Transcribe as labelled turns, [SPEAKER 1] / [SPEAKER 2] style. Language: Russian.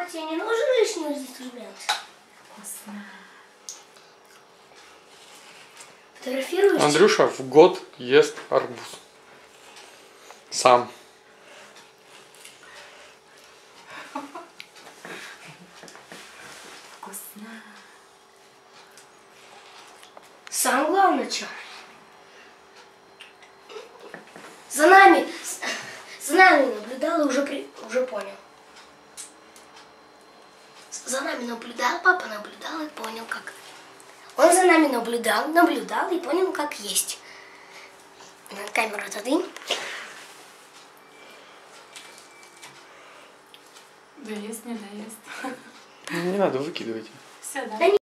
[SPEAKER 1] Папа, тебе не нужен лишний инструмент?
[SPEAKER 2] Вкусно.
[SPEAKER 1] Фотографируешь?
[SPEAKER 3] Андрюша в год ест арбуз. Сам.
[SPEAKER 2] Вкусно.
[SPEAKER 1] Сам главное, что? За нами наблюдал и уже понял. За нами наблюдал, папа наблюдал и понял, как. Он за нами наблюдал и понял, как есть. На камеру отодвинь.
[SPEAKER 2] Доест, не доест.
[SPEAKER 3] Не надо, выкидывайте.
[SPEAKER 2] Все, да?
[SPEAKER 1] Да